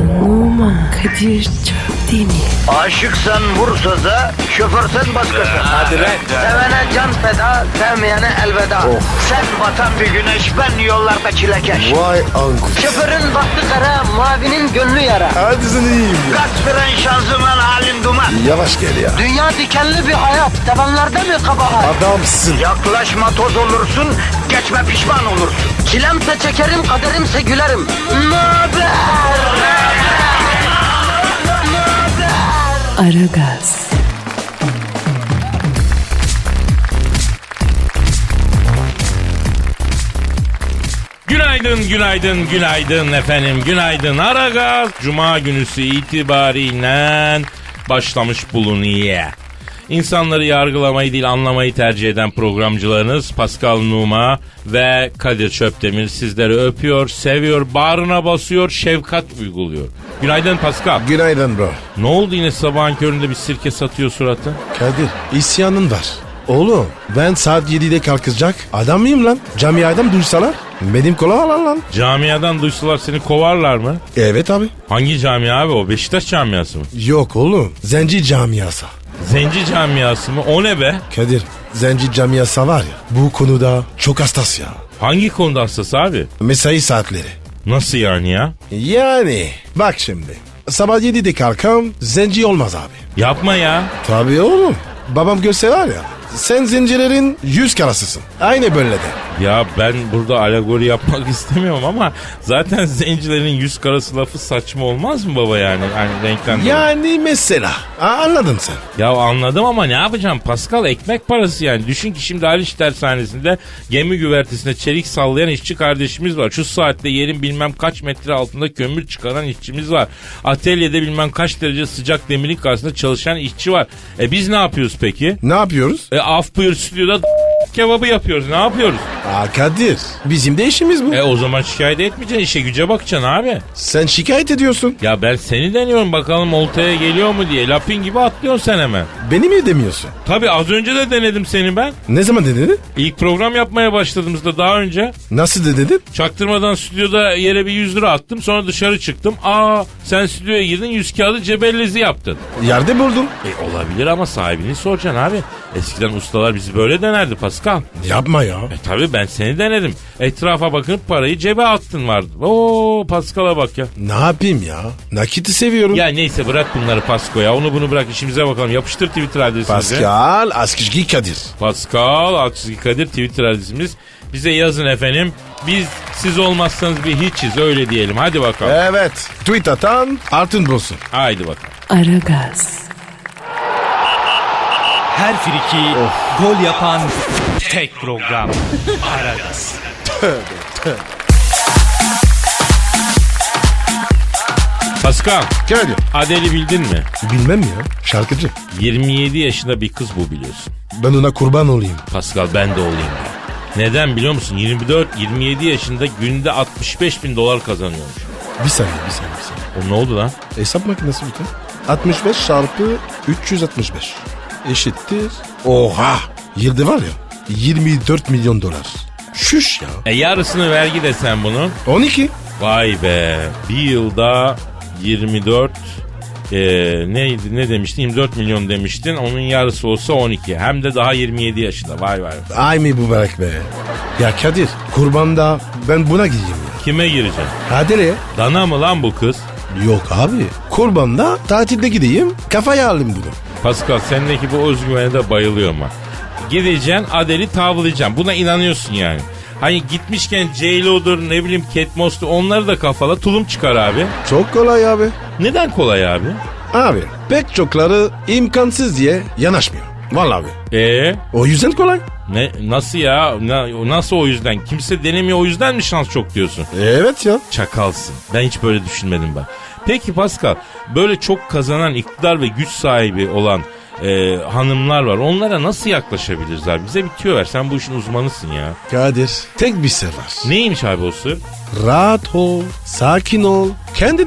Numan Kadir Çöpdemir. Aşıksan vursa da, şoförsen başkasın. Hadi lan. Sevene can feda, sevmeyene elveda. Sen batan bir güneş, ben yollarda çilekeş. Vay anku. Şoförün baktı kara, mavinin gönlü yara. Hadi sen iyiyim ya. Kasperen şanzıman halin duman. Yavaş gel ya. Dünya dikenli bir hayat, sevenlerde mi kabahar? Adamsın. Yaklaşma toz olursun, geçme pişman olursun. Çilemse çekerim, kaderimse gülerim. Möber! Aragaz. Günaydın, günaydın, günaydın efendim, günaydın. Aragaz Cuma günüsü itibariyle başlamış bulunuyor. İnsanları yargılamayı değil anlamayı tercih eden programcılarınız Pascal Numa ve Kadir Çöpdemir sizleri öpüyor, seviyor, bağrına basıyor, şefkat uyguluyor. Günaydın Pascal. Günaydın bro. Ne oldu yine sabahın köründe bir sirke satıyor suratı? Kadir isyanın var. Oğlum ben saat 7'de kalkacak adam mıyım lan? Camiadan duysalar benim kola alan lan. Camiadan duysalar seni kovarlar mı? Evet abi. Hangi camia abi o? Beşiktaş camiası mı? Yok oğlum zenci camiası. Zenci camiası mı? O ne be? Kadir zenci camiası var ya bu konuda çok hassas ya. Hangi konuda hassas abi? Mesai saatleri. Nasıl yani ya? Yani bak şimdi sabah 7'de kalkam zenci olmaz abi. Yapma ya. Tabii oğlum. Babam görse var ya sen zencilerin 100 karasısın. Aynı böyle de. Ya ben burada alegori yapmak istemiyorum ama zaten zencilerin yüz karası lafı saçma olmaz mı baba yani? Hani renkten dolayı. Yani mesela. Anladın sen. Ya anladım ama ne yapacağım Pascal, ekmek parası yani. Düşün ki şimdi Haliç Tersanesi'nde gemi güvertesinde çelik sallayan işçi kardeşimiz var. Şu saatte yerin bilmem kaç metre altında kömür çıkaran işçimiz var. Atölyede bilmem kaç derece sıcak demirin karşısında çalışan işçi var. Biz ne yapıyoruz peki? Ne yapıyoruz? Af buyur stüdyoda kebabı yapıyoruz. Ne yapıyoruz? Kadir bizim de işimiz bu. O zaman şikayet etmeyeceksin, işe güce bakacaksın abi. Sen şikayet ediyorsun. Ya ben seni deniyorum bakalım oltaya geliyor mu diye. Lapin gibi atlıyorsun sen hemen. Beni mi demiyorsun? Tabii az önce de denedim seni ben. Ne zaman denedin? İlk program yapmaya başladığımızda daha önce. Nasıl denedin? Çaktırmadan stüdyoda yere bir 100 lira attım, sonra dışarı çıktım. Sen stüdyoya girdin, 100 kağıdı cebellezi yaptın. Yerde buldum. Olabilir ama sahibini soracaksın abi. Eskiden ustalar bizi böyle denerdi Pascal. Yapma ya. Tabii ben seni denedim. Etrafa bakıp parayı cebe attın vardı. Oo Pascal'a bak ya. Ne yapayım ya? Nakiti seviyorum. Ya neyse bırak bunları Pasko ya. Onu bunu bırak, işimize bakalım. Yapıştır Twitter adresimizi. Pascal Askışgi Kadir. Pascal Askışgi Kadir Twitter adresimiz. Bize yazın efendim. Biz siz olmazsanız bir hiçiz, öyle diyelim. Hadi bakalım. Evet. Tweet atan altın bulsun. Haydi bakalım. Aragaz. Her friki gol yapan tek program. Aragaz. Pascal, Kadir. Adele'i bildin mi? Bilmem ya. Şarkıcı. 27 yaşında bir kız bu, biliyorsun. Ben ona kurban olayım. Pascal ben de olayım ya. Neden biliyor musun? 24-27 yaşında günde $65.000 kazanıyormuş. Bir saniye. O ne oldu lan? Hesap makinesi lütfen. 65 çarpı 365 eşittir. Oha! Yılda var ya 24 milyon dolar. Şuş ya. Yarısını vergi desen bunun. 12. Vay be. Bir yılda 24 neydi, ne demiştin? 24 milyon demiştin. Onun yarısı olsa 12. Hem de daha 27 yaşında. Vay vay. Ay mübarek be. Ya Kadir kurbanda ben buna gideyim ya. Kime gireceksin? Hadi ne? Dana mı lan bu kız? Yok abi. Kurbanda tatilde gideyim kafaya alayım bunu. Pascal sendeki bu özgüvene de bayılıyorum ha. Gideceksin Adele'i tavlayacaksın. Buna inanıyorsun yani. Hani gitmişken J-Lo'dur, ne bileyim Kate Moss'tur, onları da kafala, tulum çıkar abi. Çok kolay abi. Neden kolay abi? Abi pek çokları imkansız diye yanaşmıyor. Vallahi abi. O yüzden kolay. Ne, nasıl ya? Nasıl o yüzden? Kimse denemiyor, o yüzden mi şans çok diyorsun? Evet ya. Çakalsın. Ben hiç böyle düşünmedim bak. Peki Pascal, böyle çok kazanan, iktidar ve güç sahibi olan hanımlar var. Onlara nasıl yaklaşabiliriz abi? Bize bir tüyo ver. Sen bu işin uzmanısın ya. Kadir tek bir sır var. Neymiş abi o sır? Rahat ol, sakin ol, kendin ol.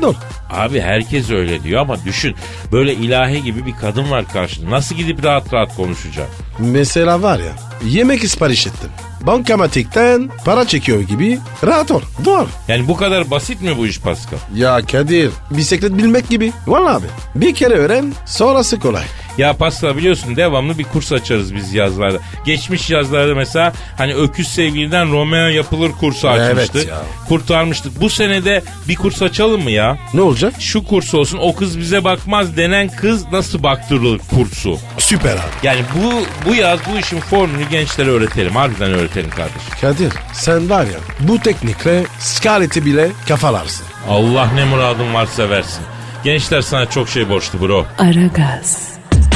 Abi herkes öyle diyor ama düşün. Böyle ilahi gibi bir kadın var karşında. Nasıl gidip rahat rahat konuşacak? Mesela var ya, yemek sipariş ettim. Bankamatikten para çekiyor gibi, rahat ol. Doğru. Yani bu kadar basit mi bu iş Pascal? Ya Kadir, bisiklet bilmek gibi. Vallahi abi. Bir kere öğren, sonrası kolay. Ya Pascal biliyorsun devamlı bir kurs açarız biz yazlarda. Geçmiş yazlarda mesela hani öküz sevgiliden Romeo yapılır kursu açmıştık. Evet ya. Kurtarmıştık. Bu senede bir kurs açalım mı ya? Ne olacak? Şu kurs olsun, o kız bize bakmaz denen kız nasıl baktırılır kursu. Süper abi. Yani bu yaz bu işin formülünü gençlere öğretelim. Harbiden öğretelim kardeşim. Kadir, sen var ya, bu teknikle Scarlett'i bile kafalarsın. Allah ne muradın varsa versin. Gençler sana çok şey borçlu bro. Aragaz,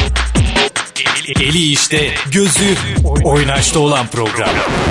Eli işte, gözü oynaşta olan program.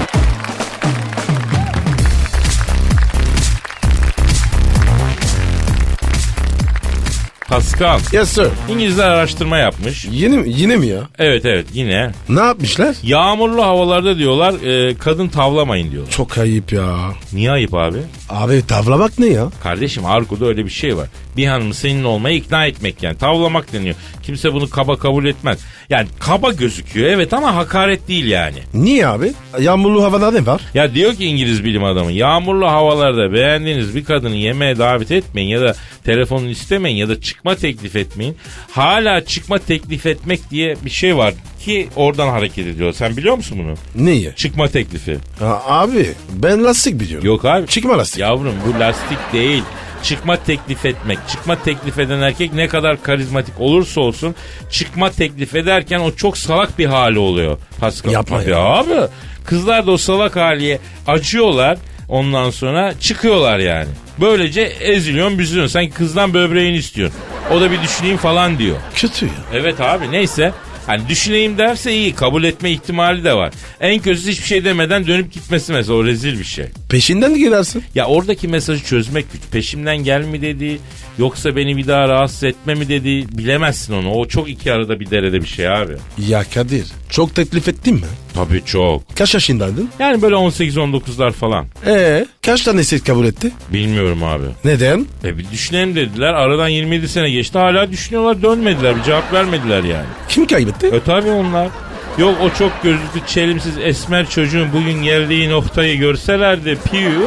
Pascal, Yes sir. İngilizler araştırma yapmış. Yine mi ya? Evet yine. Ne yapmışlar? Yağmurlu havalarda diyorlar kadın tavlamayın diyorlar. Çok ayıp ya. Niye ayıp abi? Abi tavlamak ne ya? Kardeşim argoda öyle bir şey var. Bir hanımı seninle olmaya ikna etmek yani. Tavlamak deniyor. Kimse bunu kaba kabul etmez. Yani kaba gözüküyor evet ama hakaret değil yani. Niye abi? Yağmurlu havada ne var? Ya diyor ki İngiliz bilim adamı yağmurlu havalarda beğendiğiniz bir kadını yemeğe davet etmeyin ya da telefonunu istemeyin ya da çıkma teklif etmeyin. Hala çıkma teklif etmek diye bir şey var ki oradan hareket ediyor. Sen biliyor musun bunu? Neyi? Çıkma teklifi. Abi ben lastik biliyorum. Yok abi. Çıkma lastik. Yavrum bu lastik değil. Çıkma teklif etmek. Çıkma teklif eden erkek ne kadar karizmatik olursa olsun çıkma teklif ederken o çok salak bir hali oluyor. Pascal. Yapma Tabii ya. abi. Kızlar da o salak haliye acıyorlar. Ondan sonra çıkıyorlar yani. Böylece eziliyorsun büzülüyorsun. Sanki kızdan böbreğini istiyorsun. O da bir düşüneyim falan diyor. Kötü ya. Evet abi neyse. Hani düşüneyim derse iyi kabul etme ihtimali de var. En kötüsü hiçbir şey demeden dönüp gitmesi mesela o rezil bir şey. Peşinden gidersin. Ya oradaki mesajı çözmek güç. Peşimden gel mi dedi yoksa beni bir daha rahatsız etme mi dedi bilemezsin onu. O çok iki arada bir derede bir şey abi. Ya Kadir, çok teklif ettin mi? Tabii çok. Kaç yaşındaydın? Yani böyle 18-19'lar falan. Kaç tanesi kabul etti? Bilmiyorum abi. Neden? Bir düşünelim dediler. Aradan 27 sene geçti. Hala düşünüyorlar dönmediler. Bir cevap vermediler yani. Kim kaybetti? Tabii onlar. Yok o çok gözlüklü çelimsiz esmer çocuğun bugün geldiği noktayı görselerdi. Piyu.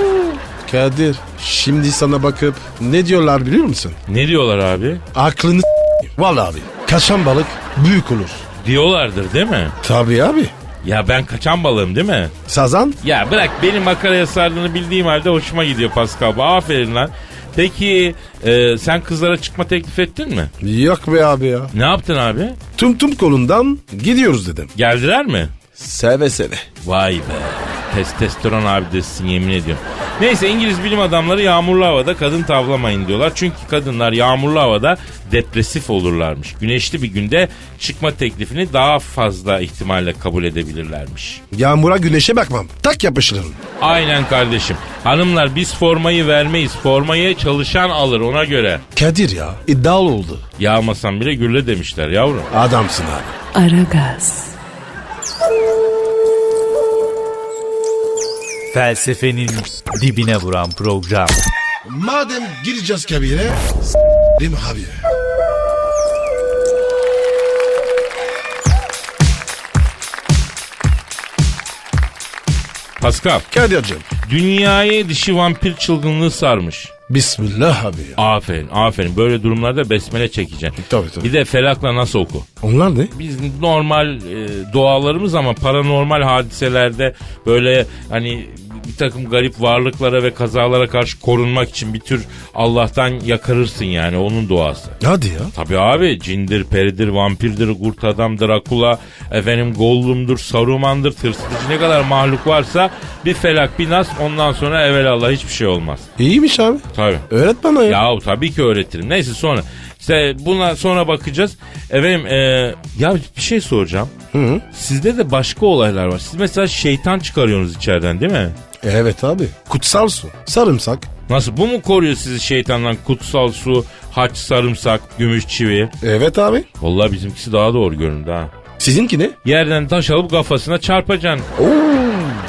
Kadir, şimdi sana bakıp ne diyorlar biliyor musun? Ne diyorlar abi? Aklını vallahi abi. Kaçan balık büyük olur. Diyorlardır değil mi? Tabii abi. Ya ben kaçan balığım değil mi? Sazan? Ya bırak benim makaraya sardığını bildiğim halde hoşuma gidiyor Pascal. Aferin lan. Peki sen kızlara çıkma teklif ettin mi? Yok be abi ya. Ne yaptın abi? Tum kolundan gidiyoruz dedim. Geldiler mi? Seve seve. Vay be. Testosteron abidesin yemin ediyorum. Neyse İngiliz bilim adamları yağmurlu havada kadın tavlamayın diyorlar. Çünkü kadınlar yağmurlu havada depresif olurlarmış. Güneşli bir günde çıkma teklifini daha fazla ihtimalle kabul edebilirlermiş. Yağmura güneşe bakmam. Tak yapışırım. Aynen kardeşim. Hanımlar biz formayı vermeyiz. Formayı çalışan alır ona göre. Kadir ya, iddialı oldu. Yağmasan bile gürle demişler yavrum. Adamsın abi. Aragaz, Felsefenin dibine vuran program. Madem gireceğiz kabire, s***rim abi. Pascal, Kadir'cim. dünyayı dişi vampir çılgınlığı sarmış. Bismillah abi ya. Aferin. Böyle durumlarda besmele çekeceksin. Tabii. Bir de felakla nasıl oku. Onlar ne? Biz normal doğalarımız ama paranormal hadiselerde böyle hani bir takım garip varlıklara ve kazalara karşı korunmak için bir tür Allah'tan yakarırsın yani onun duası. Hadi ya. Tabii abi cindir, peridir, vampirdir, kurt adam, Drakula, efendim Gollum'dur, Saruman'dır, tırsıtıcı ne kadar mahluk varsa bir felak bir nas ondan sonra evelallah hiçbir şey olmaz. İyiymiş abi. Tabii. Öğret bana ya. Yahu tabii ki öğretirim. Neyse sonra. İşte buna sonra bakacağız. Efendim ya bir şey soracağım. Hı. Sizde de başka olaylar var. Siz mesela şeytan çıkarıyorsunuz içeriden değil mi? Evet abi. Kutsal su. Sarımsak. Nasıl bu mu koruyor sizi şeytandan? Kutsal su, haç, sarımsak, gümüş çivi. Evet abi. Vallahi bizimkisi daha doğru göründü ha. Sizinki ne? Yerden taş alıp kafasına çarpacaksın. Oo.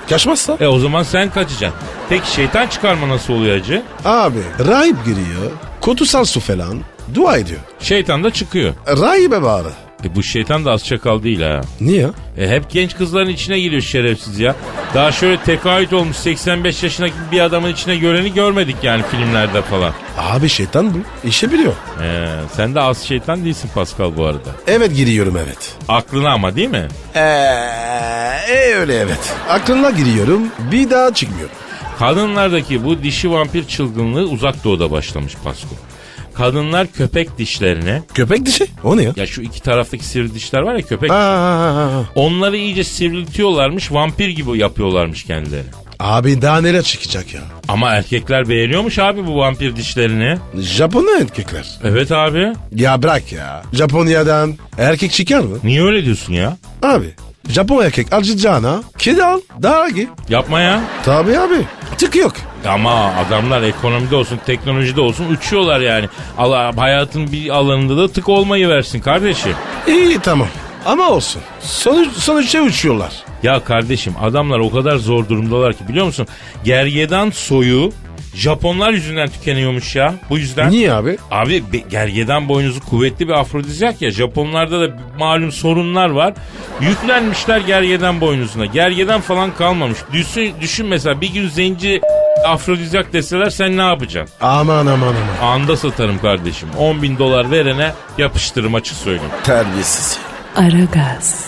Kaçmazsa? O zaman sen kaçacaksın. Peki şeytan çıkarma nasıl oluyor hacı? Abi rahip giriyor. Kutsal su falan. Dua ediyor. Şeytan da çıkıyor. Rahibe bağırı. Bu şeytan da az çakal değil ha. Niye? Hep genç kızların içine giriyor şerefsiz ya. Daha şöyle tekaüt olmuş 85 yaşındaki bir adamın içine göreni görmedik yani filmlerde falan. Abi şeytan bu. İşi biliyor. Sen de az şeytan değilsin Pascal bu arada. Evet giriyorum evet. Aklına ama değil mi? Öyle evet. Aklına giriyorum bir daha çıkmıyorum. Kadınlardaki bu dişi vampir çılgınlığı uzak doğuda başlamış Pascal. Kadınlar köpek dişlerine, Köpek dişi? O ne ya? ya şu iki taraftaki sivri dişler var ya köpek, Aa, onları iyice sivriltiyorlarmış, vampir gibi yapıyorlarmış kendilerini. abi daha neler çıkacak ya? Ama erkekler beğeniyormuş abi bu vampir dişlerini. Japonya erkekler. Evet abi. Ya bırak ya. Japonya'dan erkek çıkar mı? Niye öyle diyorsun ya? Abi Japon erkek alacağına kedi al daha iyi. Yapma ya. Tabii abi. Tık yok. Ama adamlar ekonomide olsun, teknolojide olsun uçuyorlar yani. Allah, hayatın bir alanında da tık olmayı versin kardeşim. İyi tamam. Ama olsun. Sonuçta uçuyorlar. Ya kardeşim adamlar o kadar zor durumdalar ki biliyor musun? Gergedan soyu Japonlar yüzünden tükeniyormuş ya. Bu yüzden. Niye abi? Abi gergedan boynuzu kuvvetli bir afrodizyak ya. Japonlarda da malum sorunlar var. Yüklenmişler gergedan boynuzuna. Gergedan falan kalmamış. Düşün mesela bir gün zenci afrodizyak deseler sen ne yapacaksın? Aman. Anda satarım kardeşim. 10.000 dolar verene yapıştırırım açık söyleyeyim. Terbiyesiz. Aragaz,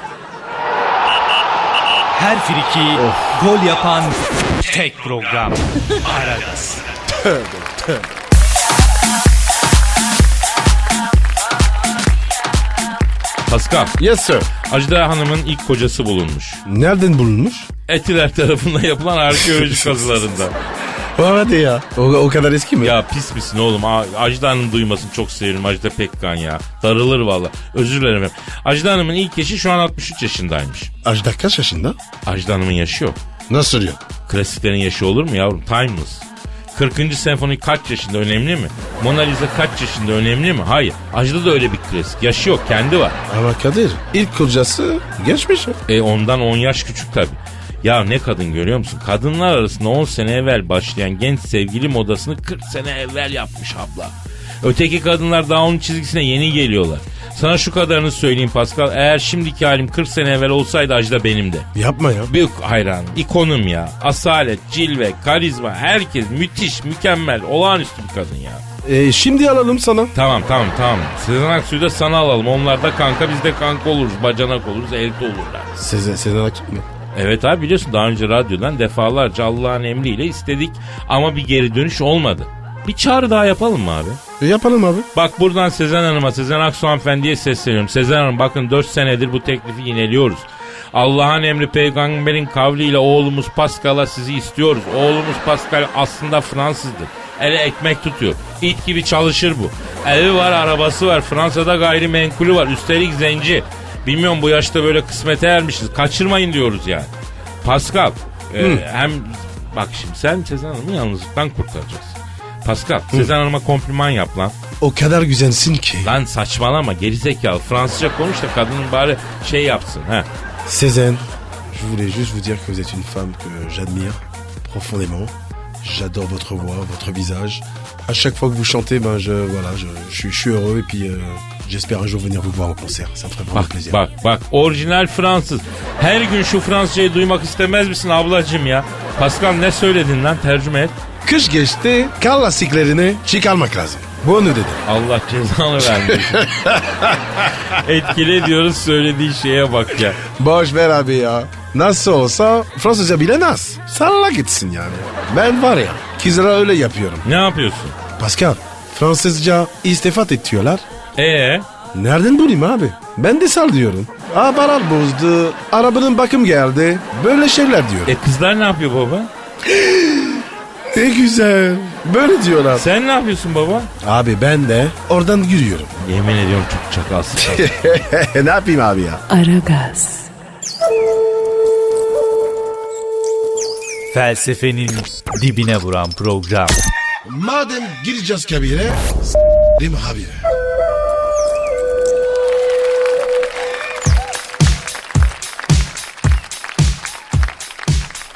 Her friki gol yapan tek program. Aragaz. Pascal, Yes sir. Ajda Hanım'ın ilk kocası bulunmuş. Nereden bulunmuş? Etiler tarafından yapılan arkeoloji kazılarında. Hadi ya. O kadar eski mi? Ya pis misin oğlum? Ajda Hanım duymasın, çok seviyorum Ajda Pekkan ya. Darılır valla. Özür dilerim efendim. Ajda Hanım'ın ilk eşi şu an 63 yaşındaymış. Ajda kaç yaşında? Ajda Hanım'ın yaşı yok. Nasıl diyor? Klasiklerin yaşı olur mu yavrum? Timeless. 40. senfoni kaç yaşında önemli mi? Mona Lisa kaç yaşında önemli mi? Hayır. Ajda da öyle bir klasik. Yaşı yok, kendi var. Ama Kadir ilk kocası geçmiş. Ondan 10 yaş küçük tabii. Ya ne kadın görüyor musun? Kadınlar arasında 10 sene evvel başlayan genç sevgili modasını 40 sene evvel yapmış abla. Öteki kadınlar daha onun çizgisine yeni geliyorlar. Sana şu kadarını söyleyeyim Pascal. Eğer şimdiki halim 40 sene evvel olsaydı Ajda benim de. Yapma ya. Büyük hayranım. İkonum ya. Asalet, cilve, karizma, herkes müthiş, mükemmel, olağanüstü bir kadın ya. Şimdi alalım sana. Tamam. Sezen Aksu'yu da sana alalım. Onlar da kanka, biz de kanka oluruz. Bacanak oluruz, elde olurlar. Sezen Aksu mu? Evet abi, biliyorsun daha önce radyodan defalarca Allah'ın emriyle istedik ama bir geri dönüş olmadı. Bir çağrı daha yapalım mı abi? Yapalım abi. Bak buradan Sezen Hanım'a, Sezen Aksu hanımefendiye sesleniyorum. Sezen Hanım bakın 4 senedir bu teklifi yineliyoruz. Allah'ın emri peygamberin kavliyle oğlumuz Pascal'a sizi istiyoruz. Oğlumuz Pascal aslında Fransızdır. Ele ekmek tutuyor. İt gibi çalışır bu. Evi var, arabası var. Fransa'da gayrimenkulü var. Üstelik zenci. Bilmiyorum bu yaşta böyle kısmete ermişiz. Kaçırmayın diyoruz yani. Pascal hem bak şimdi sen Sezen Hanım'ı yalnızlıktan kurtaracaksın. Pascal Sezen Hanım'a kompliman yap lan. O kadar güzelsin ki. Lan saçmalama gerizekalı. Fransızca konuş da kadının bari şey yapsın. He. Sezen, je voulais juste vous dire que vous êtes une femme que j'admire profondément. J'adore votre voix, votre visage. À chaque fois que vous chantez, je suis heureux et puis j'espère un jour venir vous voir au concert. Ça me ferait vraiment plaisir. Bak orijinal Fransız. Her gün şu Fransızcayı duymak istemez misin ablacığım ya? Pascal ne söyledin lan, tercüme et. Kış geçti, kar lastiklerini çıkarmak lazım. Bunu dedim. Allah cezanı vermesin. Etkile diyoruz, söylediği şeye bak ya. Boş ver abi ya. Nasıl olsa Fransızca bilemez. Salla gitsin yani. Ben var ya kızlara öyle yapıyorum. Ne yapıyorsun? Pascal, Fransızca istifat ediyorlar. Nereden bulayım abi? Ben de sal diyorum. Aparat bozdu, arabanın bakım geldi. Böyle şeyler diyor. Kızlar ne yapıyor baba? Ne güzel. Böyle diyorlar. Sen ne yapıyorsun baba? Abi ben de oradan yürüyorum. Yemin ediyorum çok çakalsın. Ne yapayım abi ya? Aragaz, Felsefenin dibine vuran program. Madem gireceğiz kabire, değil mi abi?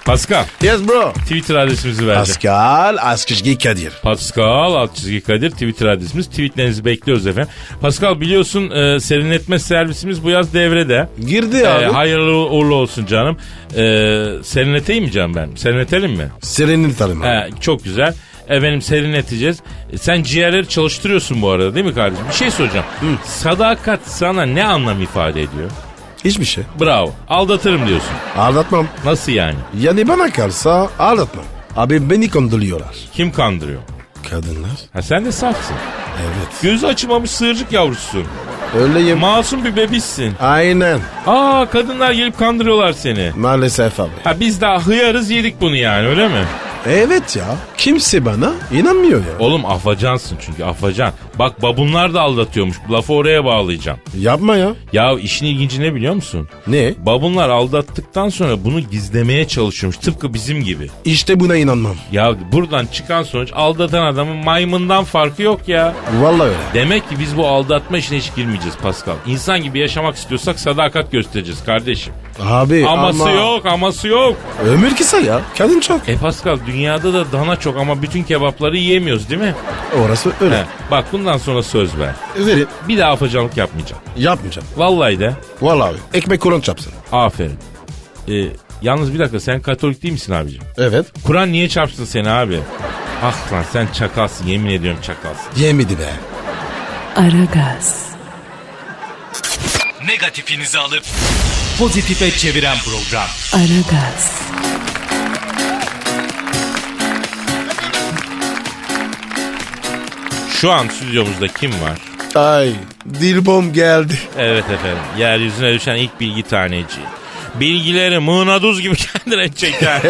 Pascal, Yes bro. Twitter adresimizi vereceğim. Pascal Askışgi Kadir. Pascal _ Kadir Twitter adresimiz. Tweetlerinizi bekliyoruz efendim. Pascal biliyorsun serinletme servisimiz bu yaz devrede. Girdi abi. Hayırlı uğurlu olsun canım. Serinleteyim mi canım ben? Serinletelim mi? Serenin tanım abi. Çok güzel. Efendim serinleteceğiz. Sen ciğerleri çalıştırıyorsun bu arada değil mi kardeşim? Bir şey soracağım. Sadakat sana ne anlam ifade ediyor? Hiçbir şey. Bravo. Aldatırım diyorsun. Aldatmam. Nasıl yani? Yani bana kalsa aldatmam. Abi beni kandırıyorlar. Kim kandırıyor? Kadınlar. Ha sen de safsın. Evet. Gözü açılmamış sığırcık yavrususun. Öyleyim. Masum bir bebişsin. Aynen. Kadınlar gelip kandırıyorlar seni. Maalesef abi. Ha biz daha hıyarız yedik bunu yani öyle mi? Evet ya. Kimse bana inanmıyor ya. Oğlum afacansın çünkü afacan. Bak babunlar da aldatıyormuş. Lafı oraya bağlayacağım. Yapma ya. Ya işin ilginci ne biliyor musun? Ne? Babunlar aldattıktan sonra bunu gizlemeye çalışıyormuş. Tıpkı bizim gibi. İşte buna inanmam. Ya buradan çıkan sonuç aldatan adamın maymundan farkı yok ya. Vallahi öyle. Demek ki biz bu aldatma işine hiç girmeyeceğiz Pascal. İnsan gibi yaşamak istiyorsak sadakat göstereceğiz kardeşim. Abi Aması yok, aması yok. Ömür kısa ya. Kadın çok. Pascal dünyada da dana çok ama bütün kebapları yiyemiyoruz değil mi? Orası öyle. He, bak bundan sonra söz ver. Verin. Bir daha afacanlık yapmayacağım. Yapmayacağım. Vallahi de. Vallahi abi. Ekmek Kur'an çapsın. Aferin. Yalnız bir dakika sen Katolik değil misin abicim? Evet. Kur'an niye çarpsın seni abi? Ah lan sen çakalsın yemin ediyorum çakalsın. Yemedi be. Aragaz, Negatifinizi alıp pozitife çeviren program. Aragaz, Şu an stüdyomuzda kim var? Ay. Dilbom geldi. Evet efendim. Yeryüzüne düşen ilk bilgi taneci. Bilgileri mığnaduz gibi kendine çeker.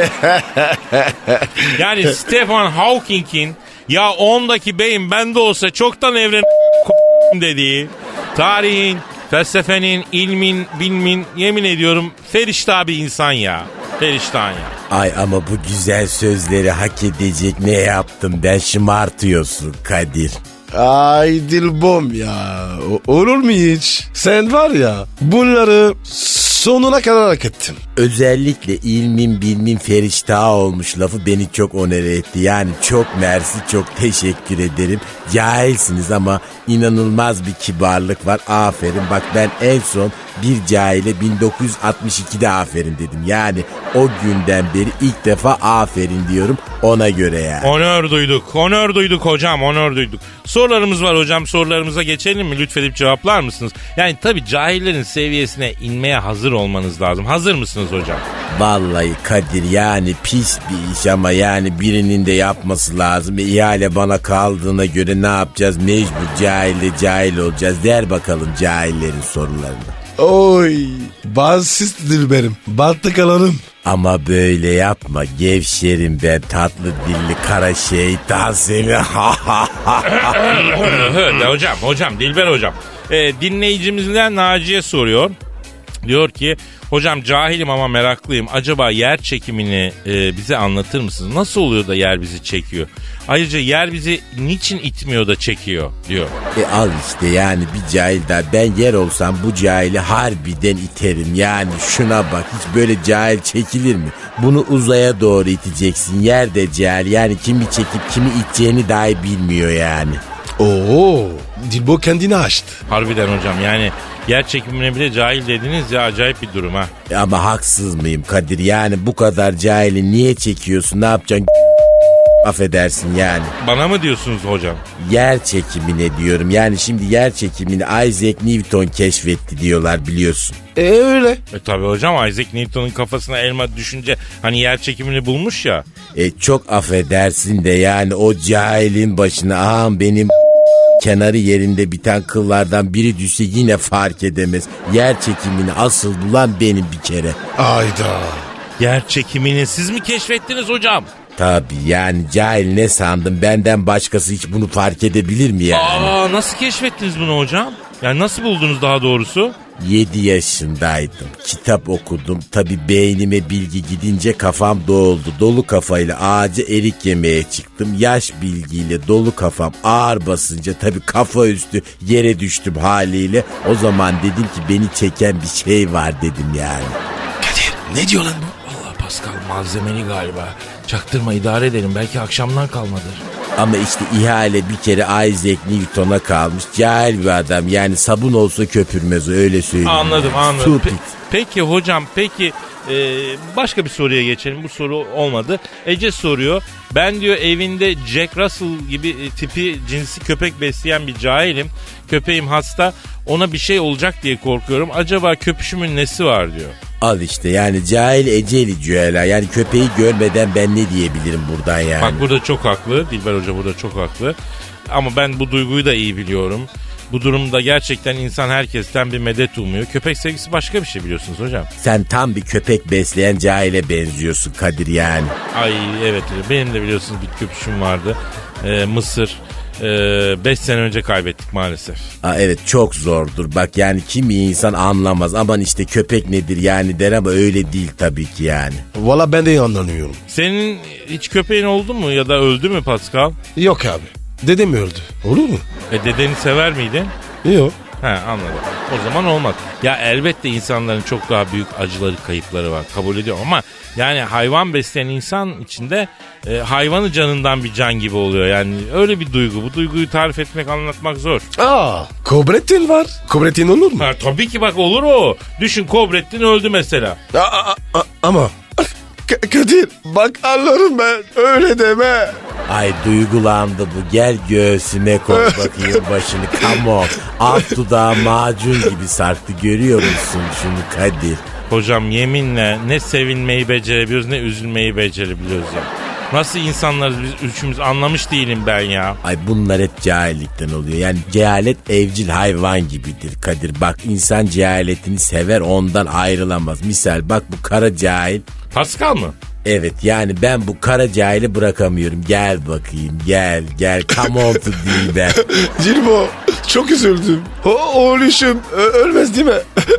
Yani Stephen Hawking'in ya 10'daki beyin bende olsa çoktan evren dediği tarihin, felsefenin, ilmin, bilmin yemin ediyorum feriştah bir insan ya. Feriştah ya. Ay ama bu güzel sözleri hak edecek ne yaptım ben, şımartıyorsun Kadir. Ay Dilbom ya. Olur mu hiç? Sen var ya bunları sonuna kadar hak ettin. Özellikle ilmin bilmin feriştah olmuş lafı beni çok onore etti. Yani çok mersi, çok teşekkür ederim. Cahilsiniz ama inanılmaz bir kibarlık var. Aferin. Bak ben en son bir cahile 1962'de aferin dedim. Yani o günden beri ilk defa aferin diyorum ona göre yani. Onur duyduk hocam, onur duyduk. Sorularımız var hocam, sorularımıza geçelim mi? Lütfedip cevaplar mısınız? Yani tabii cahillerin seviyesine inmeye hazır olmanız lazım. Hazır mısınız hocam? Vallahi Kadir yani pis bir iş ama yani birinin de yapması lazım. İhale bana kaldığına göre ne yapacağız? Mecbur cahille cahil olacağız. Der bakalım cahillerin sorularını. Oy. Basit Dilberim. Battık alalım. Ama böyle yapma gevşerim ben tatlı dilli kara şeytan seni. De hocam, Dilber hocam. Dinleyicimizden Naciye soruyor. Diyor ki hocam cahilim ama meraklıyım. Acaba yer çekimini bize anlatır mısınız? Nasıl oluyor da yer bizi çekiyor? Ayrıca yer bizi niçin itmiyor da çekiyor diyor. Al işte yani bir cahil daha. Ben yer olsam bu cahili harbiden iterim. Yani şuna bak hiç böyle cahil çekilir mi? Bunu uzaya doğru iteceksin. Yer de cahil yani kimi çekip kimi iteceğini dahi bilmiyor yani. Oo. Dilbo kendini açtı. Harbiden hocam yani yer çekimine bile cahil dediniz ya, acayip bir durum ha. Ama haksız mıyım Kadir? Yani bu kadar cahili niye çekiyorsun? Ne yapacaksın? Affedersin yani. Bana mı diyorsunuz hocam? Yer çekimine diyorum. Yani şimdi yer çekimini Isaac Newton keşfetti diyorlar biliyorsun. Öyle. Tabii hocam Isaac Newton'un kafasına elma düşünce hani yer çekimini bulmuş ya. Çok affedersin de yani o cahilin başına ağam benim kenarı yerinde biten kıllardan biri düşse yine fark edemez. Yer çekimini asıl bulan benim bir kere. Ayda. Yer çekimini siz mi keşfettiniz hocam? Tabii yani cahil ne sandın, benden başkası hiç bunu fark edebilir mi yani? Nasıl keşfettiniz bunu hocam? Yani nasıl buldunuz daha doğrusu? 7 yaşındaydım. Kitap okudum. Tabii beynime bilgi gidince kafam doldu. Dolu kafayla ağaca erik yemeye çıktım. Yaş bilgiyle dolu kafam ağır basınca tabii kafa üstü yere düştüm haliyle. O zaman dedim ki beni çeken bir şey var dedim yani. Kadir ne diyor lan bu? Vallahi Pascal malzemeli galiba. Çaktırma, idare edelim. Belki akşamdan kalmadır. Ama işte ihale bir kere Isaac Newton'a kalmış. Cahil bir adam. Yani sabun olsa köpürmez o, öyle söyleyeyim. Anladım. Stupid. Peki hocam, başka bir soruya geçelim. Bu soru olmadı. Ece soruyor. Ben diyor evinde Jack Russell gibi tipi cinsi köpek besleyen bir cahilim. Köpeğim hasta. Ona bir şey olacak diye korkuyorum. Acaba köpüşümün nesi var diyor. Al işte yani cahil eceli cüela. Yani köpeği görmeden ben ne diyebilirim buradan yani. Bak burada çok haklı. Dilber Hoca burada çok haklı. Ama ben bu duyguyu da iyi biliyorum. Bu durumda gerçekten insan herkesten bir medet umuyor. Köpek sevgisi başka bir şey biliyorsunuz hocam. Sen tam bir köpek besleyen cahile benziyorsun Kadir yani. Ay evet, benim de biliyorsunuz bir köpüşüm vardı. Mısır. 5 sene önce kaybettik maalesef. Evet, çok zordur. Bak yani kimi insan anlamaz. Aman işte köpek nedir yani der ama öyle değil tabii ki yani. Valla ben de anlamıyorum. Senin hiç köpeğin oldu mu ya da öldü mü Pascal? Yok abi. Dedem öldü. Olur mu? Dedeni sever miydin? Yok. He, anladım. O zaman olmaz. Ya elbette insanların çok daha büyük acıları, kayıpları var. Kabul ediyorum ama yani hayvan besleyen insan içinde hayvanı canından bir can gibi oluyor. Yani öyle bir duygu. Bu duyguyu tarif etmek, anlatmak zor. Kobrettin var. Kobrettin olur mu? Ha, tabii ki bak olur o. Düşün, Kobrettin öldü mesela. Ama Kadir bak anlarım ben. Öyle deme. Ay duygulandı bu. Gel göğsüme koy bakayım başını. Come on. Alt dudağı macun gibi sarktı. Görüyor musun şunu Kadir? Hocam yeminle ne sevinmeyi becerebiliyoruz ne üzülmeyi becerebiliyoruz ya. Nasıl insanlarız biz üçümüz, anlamış değilim ben ya. Ay bunlar hep cahillikten oluyor. Yani cehalet evcil hayvan gibidir Kadir. Bak insan cehaletini sever, ondan ayrılamaz. Misal bak bu kara cahil. Pascal mı? Evet yani ben bu kara cahili bırakamıyorum. Gel bakayım gel. Come on to Dilber. Cilbo çok üzüldüm. Oğluşum ölmez değil mi?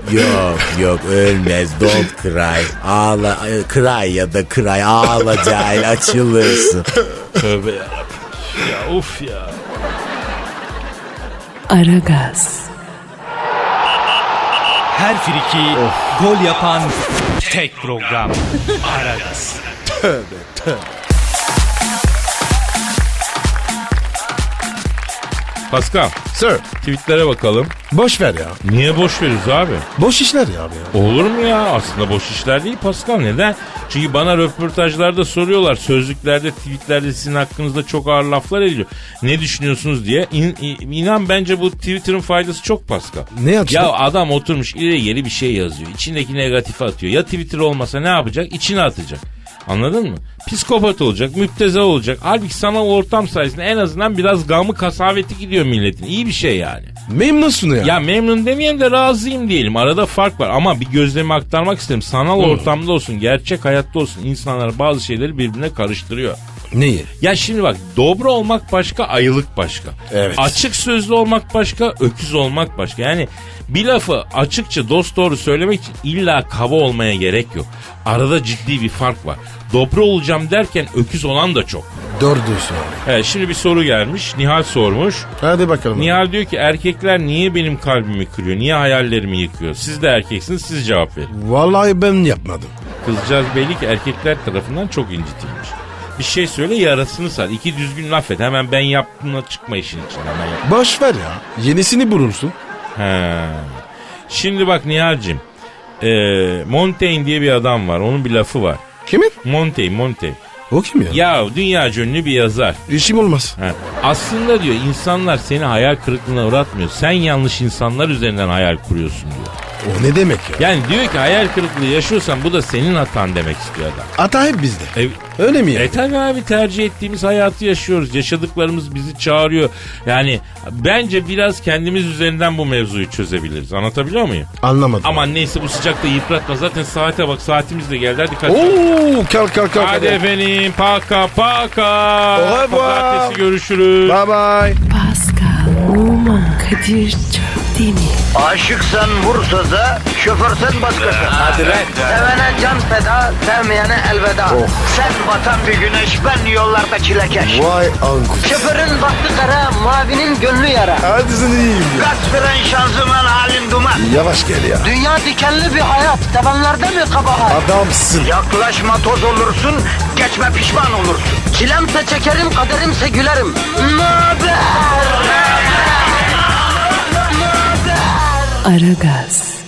Yok ölmez, don't cry. Ağla, cry ya da cry, ağla cahil, açılırsın. Tövbe ya. Ya uf ya. Aragaz, Her friki gol yapan tek program. Aragaz. Pascal, Sir. tweetlere bakalım. Boş ver ya. Niye boş veriyoruz abi? Boş işler ya abi ya. Olur mu ya? Aslında boş işler değil Pascal. Neden? Çünkü bana röportajlarda soruyorlar. Sözlüklerde, tweetlerde sizin hakkınızda çok ağır laflar ediliyor. Ne düşünüyorsunuz diye. İnan bence bu Twitter'ın faydası çok Pascal. Ne yapacak? Ya adam oturmuş ileri geri bir şey yazıyor. İçindeki negatifi atıyor. Ya Twitter olmasa ne yapacak? İçine atacak. Anladın mı? Psikopat olacak, müpteza olacak. Halbuki sanal ortam sayesinde en azından biraz gamı kasaveti gidiyor milletin. İyi bir şey yani. Memnunsun ya. Ya memnun demeyelim de razıyım diyelim. Arada fark var ama bir gözlemi aktarmak isterim. Sanal ortamda olsun, gerçek hayatta olsun insanlar bazı şeyleri birbirine karıştırıyor. Neyi? Ya şimdi bak, dobra olmak başka, ayılık başka. Evet. Açık sözlü olmak başka, öküz olmak başka. Yani bir lafı açıkça dosdoğru söylemek için illa kaba olmaya gerek yok. Arada ciddi bir fark var. Dobra olacağım derken öküz olan da çok. Doğru diyorsun abi. Evet, şimdi bir soru gelmiş. Nihal sormuş. Hadi bakalım. Nihal diyor ki erkekler niye benim kalbimi kırıyor? Niye hayallerimi yıkıyor? Siz de erkeksiniz, siz cevap verin. Vallahi ben yapmadım. Kızcağız belli ki erkekler tarafından çok incitilmiş. Bir şey söyle, yarasını sar. İki düzgün laf et. Hemen ben yaptığımla çıkma işin içinden. Hemen yap. Boş ver ya. Yenisini bulursun. He. Şimdi bak Nihal'cim. Montaigne diye bir adam var. Onun bir lafı var. Kimin? Montaigne. O kim ya? Ya dünya ünlü bir yazar. İşim olmaz. He. Aslında diyor insanlar seni hayal kırıklığına uğratmıyor. Sen yanlış insanlar üzerinden hayal kuruyorsun diyor. O ne demek ya? Yani diyor ki hayal kırıklığı yaşıyorsan bu da senin hatan demek istiyor adam. Hata hep bizde. Öyle mi ya? Tabii abi, tercih ettiğimiz hayatı yaşıyoruz. Yaşadıklarımız bizi çağırıyor. Yani bence biraz kendimiz üzerinden bu mevzuyu çözebiliriz. Anlatabiliyor muyum? Anlamadım. Aman neyse, bu sıcakta yıpratma. Zaten saate bak, saatimiz de geldi. Hadi kaç. Oo, kalk. Hadi efendim, paka. Au revoir. Pazartesi görüşürüz. Bye bye. Pascal, Oman, Kadir Çöpdemir. Aşıksan vursa da, şoförsen başkasın. Hadi lan. Sevene can feda, sevmeyene elveda. Sen batan bir güneş, ben yollarda çilekeş. Vay anku. Şoförün baktı kara, mavinin gönlü yara. Hadi sen iyiyim ya. Kasperen şanzıman halin duman. Yavaş gel ya. Dünya dikenli bir hayat, sevenlerde mi kabahar? Adamsın. Yaklaşma toz olursun, geçme pişman olursun. Çilemse çekerim, kaderimse gülerim. Möber! Aragaz.